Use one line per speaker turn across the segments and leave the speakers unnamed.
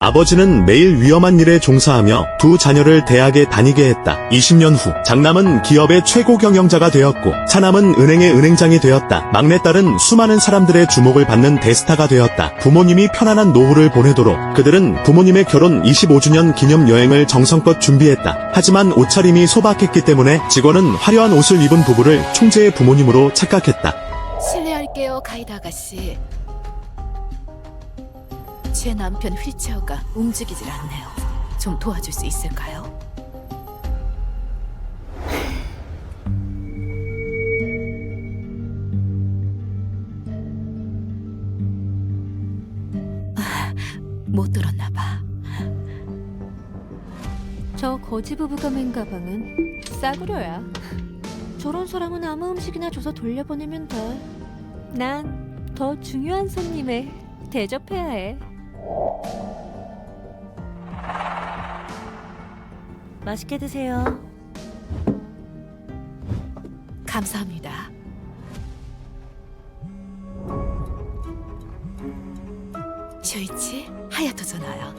아버지는 매일 위험한 일에 종사하며 두 자녀를 대학에 다니게 했다. 20년 후 장남은 기업의 최고 경영자가 되었고 차남은 은행의 은행장이 되었다. 막내딸은 수많은 사람들의 주목을 받는 대스타가 되었다. 부모님이 편안한 노후를 보내도록 그들은 부모님의 결혼 25주년 기념 여행을 정성껏 준비했다. 하지만 옷차림이 소박했기 때문에 직원은 화려한 옷을 입은 부부를 총재의 부모님으로 착각했다.
실례할게요, 가이드 아가씨. 제 남편 휠체어가 움직이질 않네요. 좀 도와줄 수 있을까요? 못 들었나 봐.
저 거지 부부가 맨 가방은 싸구려야. 저런 사람은 아무 음식이나 줘서 돌려보내면 돼. 난 더 중요한 손님에 대접해야 해. 맛있게 드세요.
감사합니다. 쇼이치, 하야토 전화요.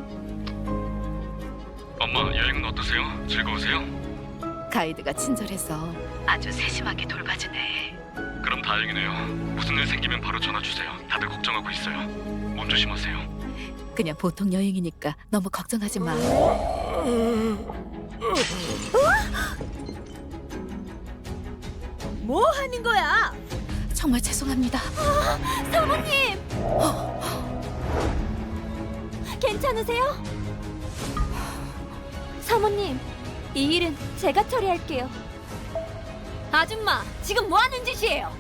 엄마, 여행은 어떠세요? 즐거우세요?
가이드가 친절해서 아주 세심하게 돌봐주네.
그럼 다행이네요. 무슨 일 생기면 바로 전화 주세요. 다들 걱정하고 있어요. 몸 조심하세요.
그냥 보통 여행이니까 너무 걱정하지 마.
뭐 하는 거야?
정말 죄송합니다.
사모님! 괜찮으세요? 사모님, 이 일은 제가 처리할게요. 아줌마, 지금 뭐 하는 짓이에요?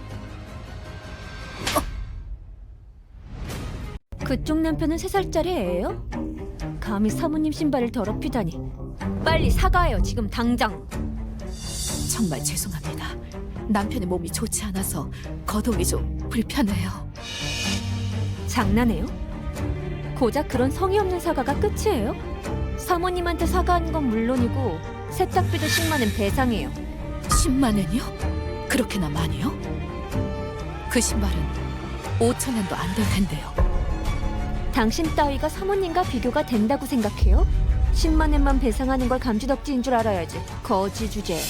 그쪽 남편은 3살짜리 애예요? 감히 사모님 신발을 더럽히다니. 빨리 사과해요, 지금 당장.
정말 죄송합니다. 남편의 몸이 좋지 않아서 거동이 좀 불편해요.
장난해요? 고작 그런 성의 없는 사과가 끝이에요? 사모님한테 사과하는 건 물론이고 세탁비도 10만 원 배상해요.
10만 원이요? 그렇게나 많이요? 그 신발은 5천 원도 안 될 텐데요.
당신 따위가 사모님과 비교가 된다고 생각해요? 10만 원만 배상하는 걸 감지덕지인 줄 알아야지. 거지 주제.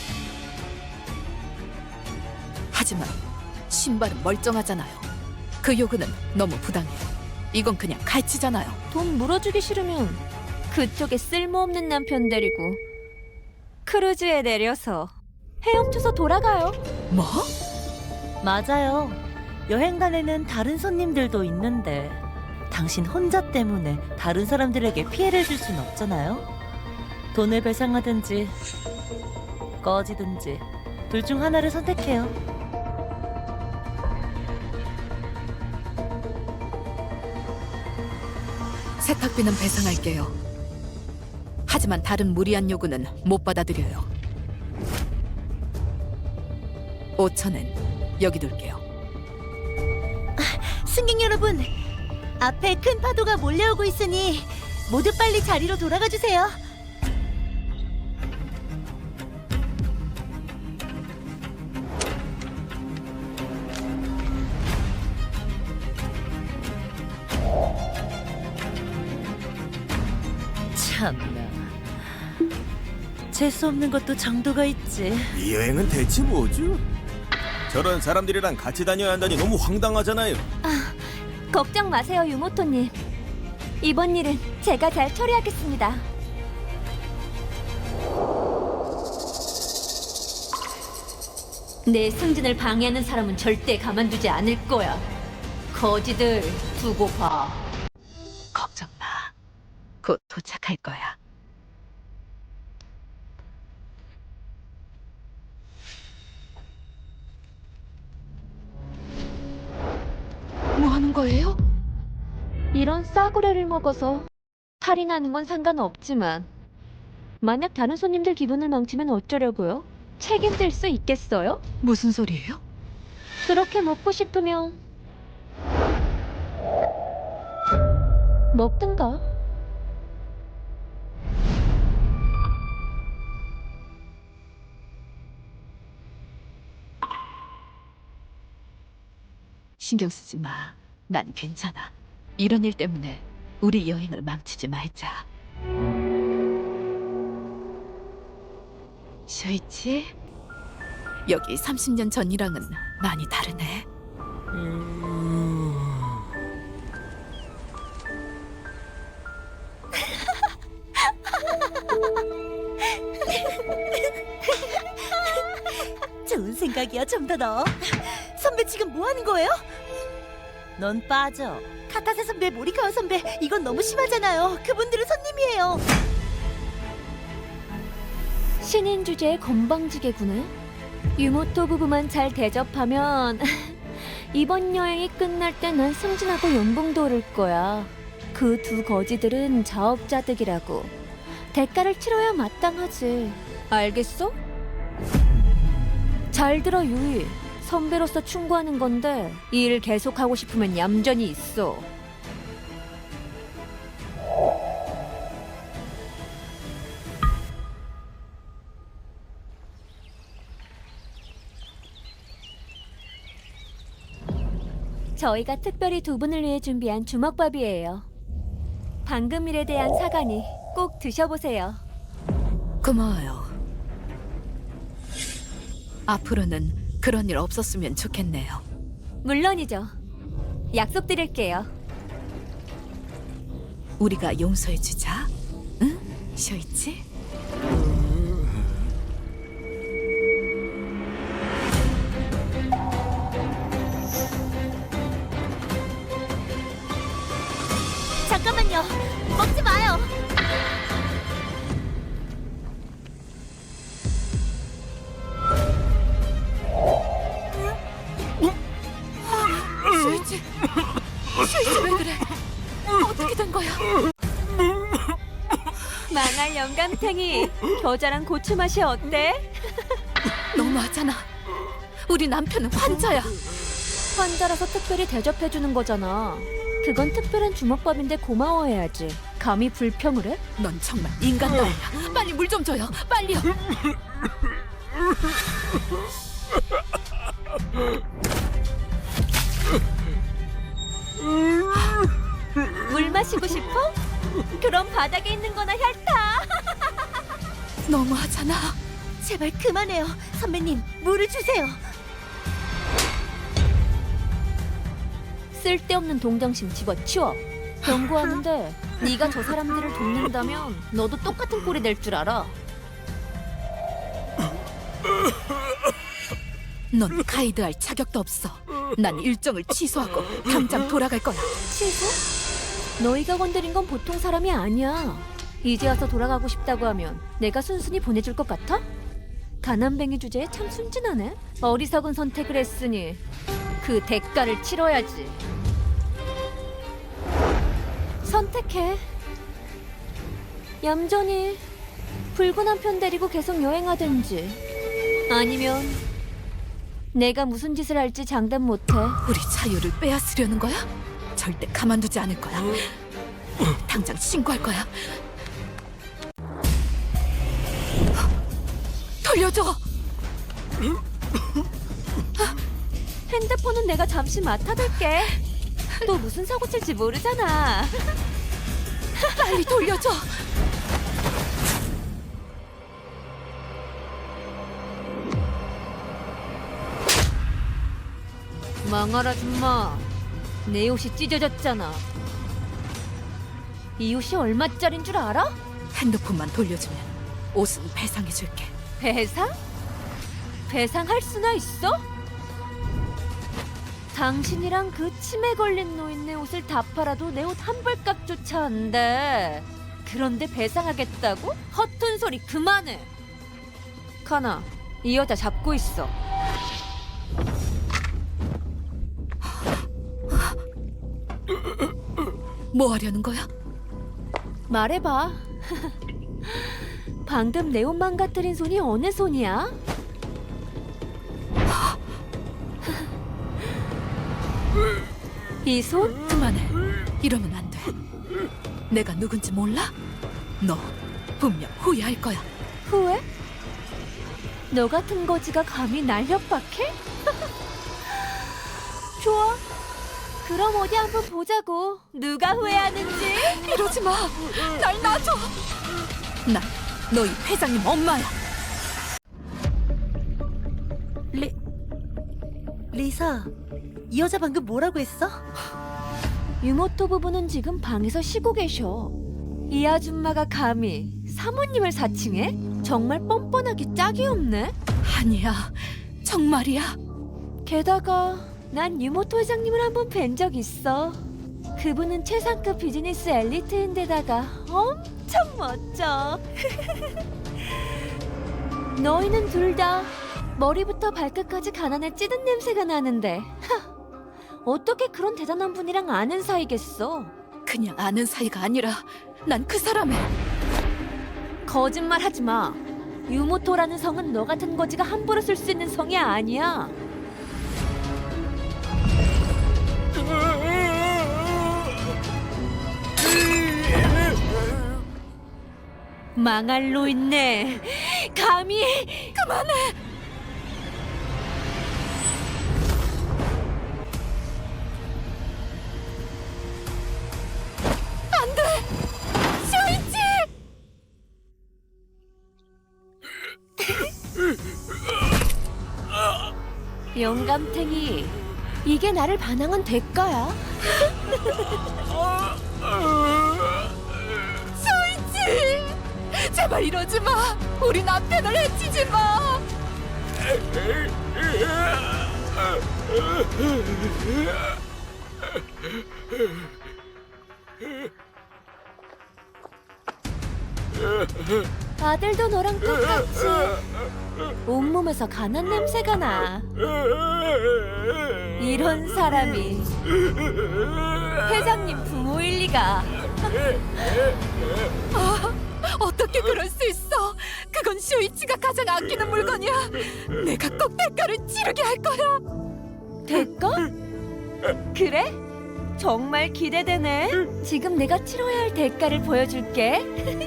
하지만 신발은 멀쩡하잖아요. 그 요구는 너무 부당해요. 이건 그냥 갈치잖아요.
돈 물어주기 싫으면 그쪽에 쓸모없는 남편 데리고 크루즈에 내려서 헤엄쳐서 돌아가요.
뭐?
맞아요. 여행단에는 다른 손님들도 있는데 당신 혼자 때문에 다른 사람들에게 피해를 줄 순 없잖아요. 돈을 배상하든지 꺼지든지 둘 중 하나를 선택해요.
세탁비는 배상할게요. 하지만 다른 무리한 요구는 못 받아들여요. 5천 원 여기 둘게요.
승객 여러분, 앞에 큰 파도가 몰려오고 있으니 모두 빨리 자리로 돌아가 주세요. 참나, 재수 없는 것도 정도가 있지.
이 여행은 대체 뭐죠? 저런 사람들이랑 같이 다녀야 한다니 너무 황당하잖아요.
걱정 마세요, 유모토님. 이번 일은 제가 잘 처리하겠습니다. 내 승진을 방해하는 사람은 절대 가만두지 않을 거야. 거지들 두고 봐.
걱정 마. 곧 도착할 거야. 뭐 하는 거예요?
이런 싸구려를 먹어서 탈이 나는 건 상관없지만 만약 다른 손님들 기분을 망치면 어쩌려고요? 책임질 수 있겠어요?
무슨 소리예요?
그렇게 먹고 싶으면 먹든가.
신경 쓰지 마. 난 괜찮아. 이런 일 때문에 우리 여행을 망치지 말자. 쇼이치, 여기 30년 전이랑은 많이 다르네.
좋은 생각이야, 좀 더 넣어. 선배 지금 뭐 하는 거예요? 넌 빠져. 카타세 선배, 모리카와 선배, 이건 너무 심하잖아요. 그분들은 손님이에요.
신인 주제의 건방지게구나. 유모토 부부만 잘 대접하면 이번 여행이 끝날 때 난 승진하고 연봉도 오를 거야. 그 두 거지들은 자업자득이라고. 대가를 치러야 마땅하지. 알겠어? 잘 들어, 유이. 선배로서 충고하는 건데 이 일 계속하고 싶으면 얌전히 있어. 저희가 특별히 두 분을 위해 준비한 주먹밥이에요. 방금 일에 대한 사과니 꼭 드셔보세요.
고마워요. 앞으로는 그런 일 없었으면 좋겠네요.
물론이죠. 약속드릴게요.
우리가 용서해주자. 응? 쇼이치?
잠깐만요. 먹지 마요.
쇼이치! 쇼이치 왜 그래? 어떻게 된 거야?
망할 영감탱이. 겨자랑 고추 맛이 어때?
너무하잖아. 우리 남편은 환자야.
환자라서 특별히 대접해주는 거잖아. 그건 특별한 주먹밥인데 고마워해야지. 감히 불평을 해?
넌 정말 인간다우야. 빨리 물 좀 줘요. 빨리요.
물 마시고 싶어? 그럼 바닥에 있는 거나 핥아.
너무하잖아.
제발 그만해요. 선배님, 물을 주세요.
쓸데없는 동정심 집어치워. 경고하는데 네가 저 사람들을 돕는다면 너도 똑같은 꼴이 될 줄 알아.
넌 가이드할 자격도 없어. 난 일정을 취소하고 당장 돌아갈 거야.
취소? 너희가 건드린 건 보통 사람이 아니야. 이제 와서 돌아가고 싶다고 하면 내가 순순히 보내줄 것 같아? 가난뱅이 주제에 참 순진하네. 어리석은 선택을 했으니 그 대가를 치러야지. 선택해. 얌전히 붉은 한 편 데리고 계속 여행하든지, 아니면 내가 무슨 짓을 할지 장담 못해.
우리 자유를 빼앗으려는 거야? 절대 가만두지 않을 거야. 당장 신고할 거야. 돌려줘.
핸드폰은 내가 잠시 맡아둘게. 또 무슨 사고 칠지 모르잖아.
빨리 돌려줘.
망할 아줌마, 내 옷이 찢어졌잖아. 이 옷이 얼마짜린 줄 알아?
핸드폰만 돌려주면 옷은 배상해줄게.
배상? 배상할 수나 있어? 당신이랑 그 치매 걸린 노인네 옷을 다 팔아도 내 옷 한 벌값조차 안 돼. 그런데 배상하겠다고? 허튼 소리 그만해. 카나, 이 여자 잡고 있어.
뭐 하려는 거야?
말해봐. 방금 내 옷 망가뜨린 손이 어느 손이야? 이 손?
그만해. 이러면 안 돼. 내가 누군지 몰라? 너 분명 후회할 거야.
후회? 너 같은 거지가 감히 날 협박해? 좋아. 그럼 어디 한번 보자고. 누가 후회하는지.
이러지 마. 날 놔줘. 나 너희 회장님 엄마야.
리사, 이 여자 방금 뭐라고 했어?
유모토 부부는 지금 방에서 쉬고 계셔. 이 아줌마가 감히 사모님을 사칭해? 정말 뻔뻔하기 짝이 없네.
아니야. 정말이야.
게다가 난 유모토 회장님을 한번 뵌 적 있어. 그분은 최상급 비즈니스 엘리트인데다가 엄청 멋져. 너희는 둘 다 머리부터 발끝까지 가난에 찌든 냄새가 나는데 어떻게 그런 대단한 분이랑 아는 사이겠어?
그냥 아는 사이가 아니라 난 그 사람의
거짓말 하지 마. 유모토라는 성은 너 같은 거지가 함부로 쓸 수 있는 성이 아니야. 망할 로 있네. 감히
그만해. 안돼. 쇼이치.
영감탱이, 이게 나를 반항한 대가야?
쇼이치. 제발 이러지 마. 우리 남편을 해치지 마.
아들도 너랑 똑같이 온몸에서 가난 냄새가 나. 이런 사람이 회장님 부모일 리가.
어떻게 그럴 수 있어? 그건 쇼이치가 가장 아끼는 물건이야. 내가 꼭 대가를 치르게 할 거야.
대가? 그래? 정말 기대되네. 지금 내가 치러야 할 대가를 보여줄게.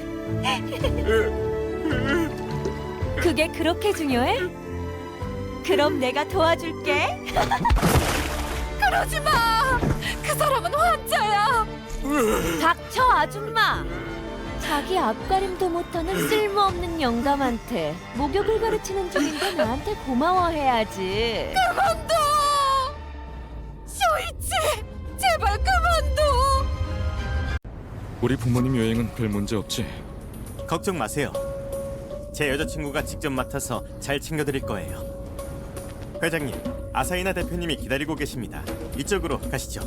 그게 그렇게 중요해? 그럼 내가 도와줄게.
그러지 마. 그 사람은 환자야.
닥쳐, 아줌마. 자기 앞가림도 못하는 쓸모없는 영감한테 목욕을 가르치는 중인데 나한테 고마워해야지.
그만둬. 쇼이치, 제발 그만둬.
우리 부모님 여행은 별 문제 없지?
걱정 마세요. 제 여자친구가 직접 맡아서 잘 챙겨드릴 거예요. 회장님, 아사히나 대표님이 기다리고 계십니다. 이쪽으로 가시죠.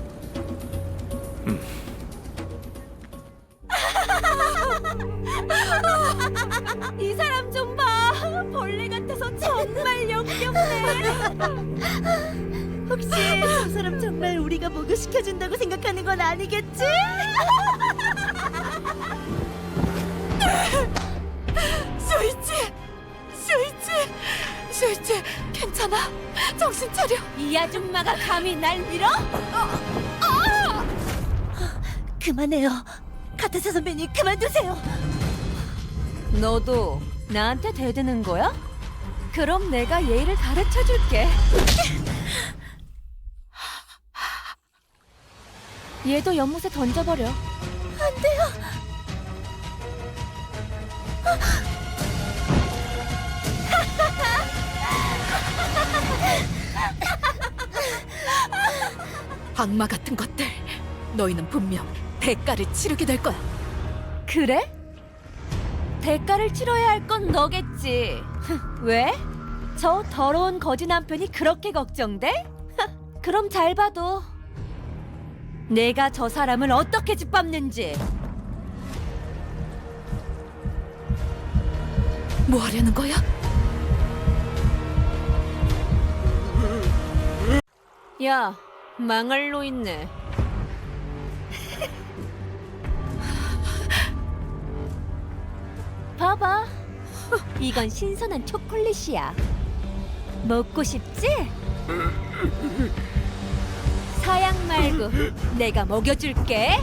이 사람 좀 봐. 벌레 같아서 정말 역겹네.
혹시 저 사람 정말 우리가 목욕시켜준다고 생각하는 건 아니겠지?
쇼이치, 쇼이치, 괜찮아? 정신 차려.
이 아줌마가 감히 날 밀어?
그만해요. 카타사 선배님, 그만두세요.
너도 나한테 대드는 거야? 그럼 내가 예의를 가르쳐 줄게. 얘도 연못에 던져버려.
안 돼요.
악마 같은 것들. 너희는 분명 대가를 치르게 될 거야.
그래? 대가를 치러야 할 건 너겠지. 왜? 저 더러운 거지 남편이 그렇게 걱정돼? 그럼 잘 봐도 내가 저 사람을 어떻게 짓밟는지.
뭐 하려는 거야?
야, 망할 로 있네. 봐봐. 이건 신선한 초콜릿이야. 먹고 싶지? 사양 말고 내가 먹여줄게.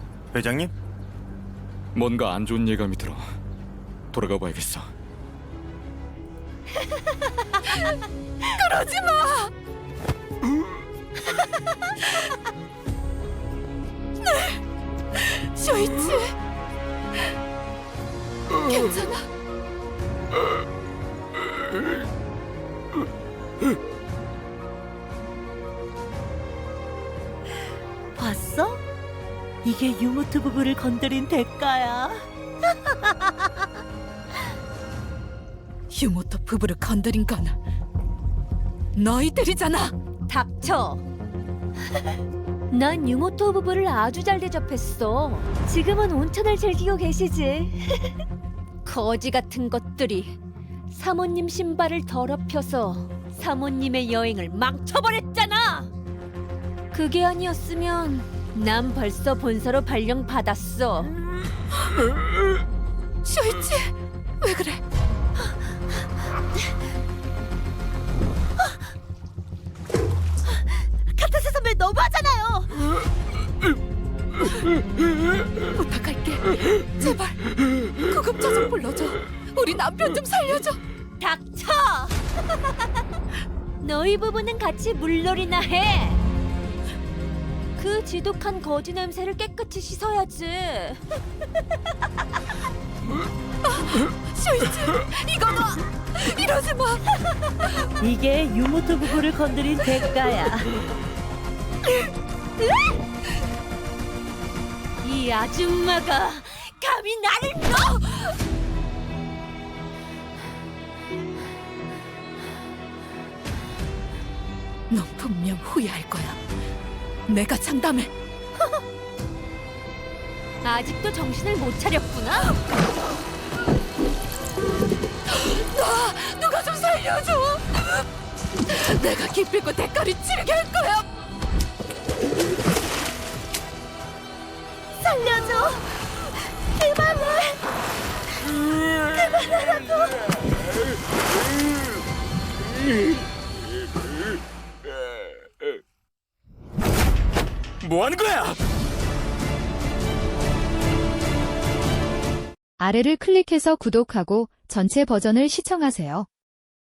회장님?
뭔가 안 좋은 예감이 들어. 돌아가 봐야겠어.
그러지 마. 네, 쇼이치. 괜찮아.
봤어? 이게 유모트 부부를 건드린 대가야.
유모토 부부를 건드린 건 너희들이잖아.
닥쳐. 난 유모토 부부를 아주 잘 대접했어. 지금은 온천을 즐기고 계시지. 거지 같은 것들이 사모님 신발을 더럽혀서 사모님의 여행을 망쳐버렸잖아. 그게 아니었으면 난 벌써 본서로 발령 받았어.
쇼이치, 왜 그래?
카타세 선배 너무하잖아요.
부탁할게. 제발 구급차 좀 불러줘. 우리 남편 좀 살려줘.
닥쳐! 너희 부부는 같이 물놀이나 해. 그 지독한 거지 냄새를 깨끗이 씻어야지.
쇼이치, 이거 봐. 이러지 마.
이게 유모트 부부를 건드린 대가야.
이 아줌마가 감히 나를 너!
넌 분명 후회할 거야. 내가 장담해.
아직도 정신을 못 차렸구나.
누가 좀 살려줘. 내가 기필코 대가를 치르게 할 거야.
살려줘. 그만해.
뭐 하는 거야?
아래를 클릭해서 구독하고 전체 버전을 시청하세요.